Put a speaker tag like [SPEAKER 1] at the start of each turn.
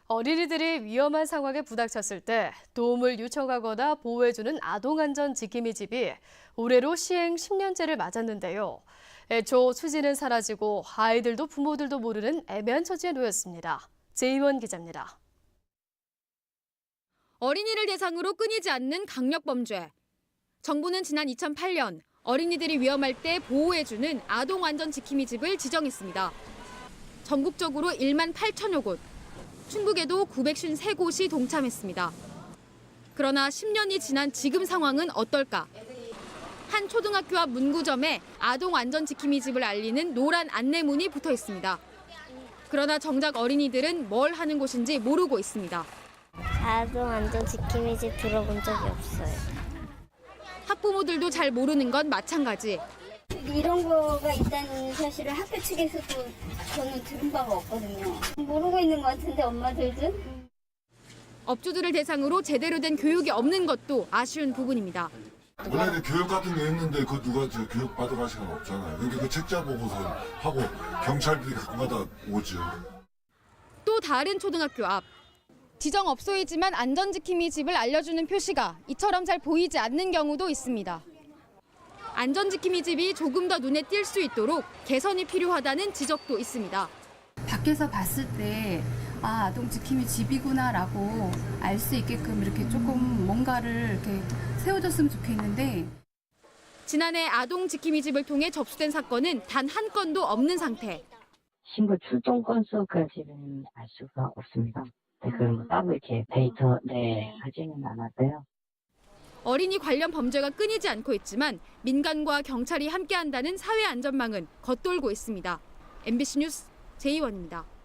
[SPEAKER 1] 어린이들이 위험한 상황에 부닥쳤을 때 도움을 요청하거나 보호해주는 아동안전 지킴이 집이 올해로 시행 10년째를 맞았는데요. 애초 취지는 사라지고 아이들도 부모들도 모르는 애매한 처지에 놓였습니다. 제이원 기자입니다.
[SPEAKER 2] 어린이를 대상으로 끊이지 않는 강력범죄. 정부는 지난 2008년 어린이들이 위험할 때 보호해주는 아동안전지킴이 집을 지정했습니다. 전국적으로 1만 8천여 곳, 충북에도 953곳이 동참했습니다. 그러나 10년이 지난 지금 상황은 어떨까? 한 초등학교 앞 문구점에 아동안전지킴이 집을 알리는 노란 안내문이 붙어 있습니다. 그러나 정작 어린이들은 뭘 하는 곳인지 모르고 있습니다.
[SPEAKER 3] 아동안전지킴이집 들어본 적이 없어요.
[SPEAKER 2] 학부모들도 잘 모르는 건 마찬가지.
[SPEAKER 4] 이런 거가 있다는 사실을 학교 측에서도 저는 들은 바가 없거든요. 모르고 있는 것 같은데 엄마들도.
[SPEAKER 2] 업주들을 대상으로 제대로 된 교육이 없는 것도 아쉬운 부분입니다.
[SPEAKER 5] 원래 교육 같은 게 있는데 그 누가 저 교육 받아갈 시간 없잖아요. 그러니까 그 책자 보고서 하고 경찰들이 가끔가다 오죠.
[SPEAKER 2] 또 다른 초등학교 앞. 지정업소이지만 안전지킴이 집을 알려주는 표시가 이처럼 잘 보이지 않는 경우도 있습니다. 안전지킴이 집이 조금 더 눈에 띌 수 있도록 개선이 필요하다는 지적도 있습니다.
[SPEAKER 6] 밖에서 봤을 때 아동지킴이 집이구나라고 알 수 있게끔 이렇게 조금 뭔가를 이렇게 세워줬으면 좋겠는데
[SPEAKER 2] 지난해 아동지킴이 집을 통해 접수된 사건은 단 한 건도 없는 상태.
[SPEAKER 7] 신고 출동 건수까지는 알 수가 없습니다. 그럼 따로 이렇게 데이터 하지는 않았어요.
[SPEAKER 2] 어린이 관련 범죄가 끊이지 않고 있지만 민간과 경찰이 함께한다는 사회 안전망은 겉돌고 있습니다. MBC 뉴스 제이원입니다.